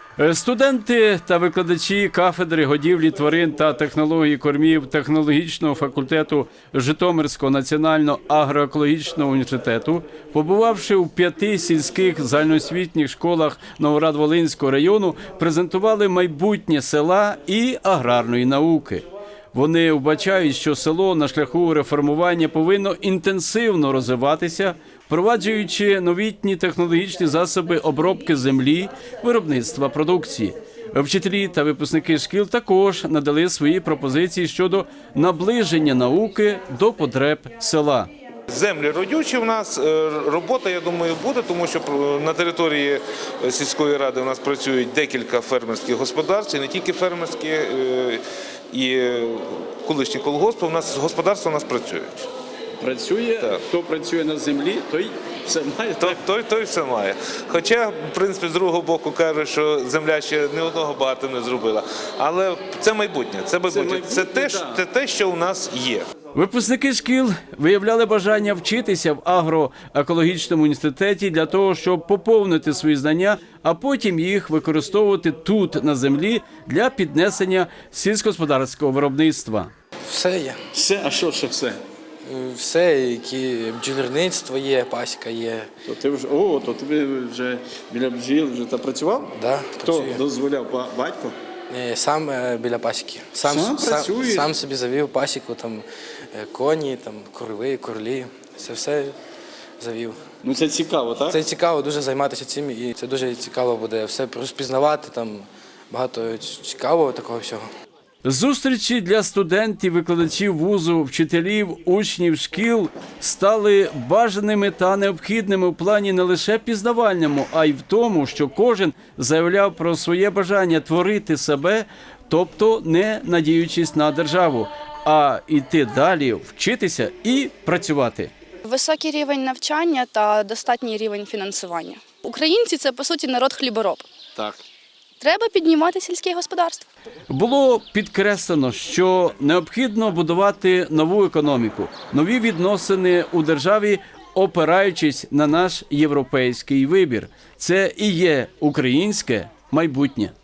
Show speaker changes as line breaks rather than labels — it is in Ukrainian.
Студенти та викладачі кафедри годівлі тварин та технології кормів технологічного факультету Житомирського національного агроекологічного університету, побувавши у 5 сільських загальноосвітніх школах Новоград-Волинського району, презентували майбутнє села і аграрної науки. Вони вбачають, що село на шляху реформування повинно інтенсивно розвиватися, впроваджуючи новітні технологічні засоби обробки землі, виробництва продукції. Вчителі та випускники шкіл також надали свої пропозиції щодо наближення науки до потреб села.
Землі родючі в нас, робота, я думаю, буде, тому що на території сільської ради у нас працюють декілька фермерських господарств, і не тільки фермерські, і колишні колгоспи, господарства у нас працюють.
Працює, так. Хто працює на землі, той все має.
Той все має. Хоча, в принципі, з другого боку кажуть, що земля ще ні одного багато не зробила. Але це майбутнє, це те, що у нас є.
Випускники шкіл виявляли бажання вчитися в агроекологічному інституті для того, щоб поповнити свої знання, а потім їх використовувати тут, на землі, для піднесення сільськогосподарського виробництва.
Все є.
Все? А що все?
Все, які бджільництво є, пасіка є.
То ти вже біля бджіл вже працював?
Да,
Хто
працює.
дозволяв? Батько?
Сам біля пасіки. Сам собі завів пасіку, там коні, там корови, корлі. Це все завів.
Ну це цікаво, так?
Це цікаво дуже займатися цим, і це дуже цікаво буде все розпізнавати, там багато цікавого такого всього.
Зустрічі для студентів, викладачів вузу, вчителів, учнів шкіл стали бажаними та необхідними в плані не лише пізнавальному, а й в тому, що кожен заявляв про своє бажання творити себе, тобто не надіючись на державу, а йти далі, вчитися і працювати.
Високий рівень навчання та достатній рівень фінансування. Українці – це, по суті, народ хлібороб.
Так.
Треба піднімати сільське господарство.
Було підкреслено, що необхідно будувати нову економіку, нові відносини у державі, опираючись на наш європейський вибір. Це і є українське майбутнє.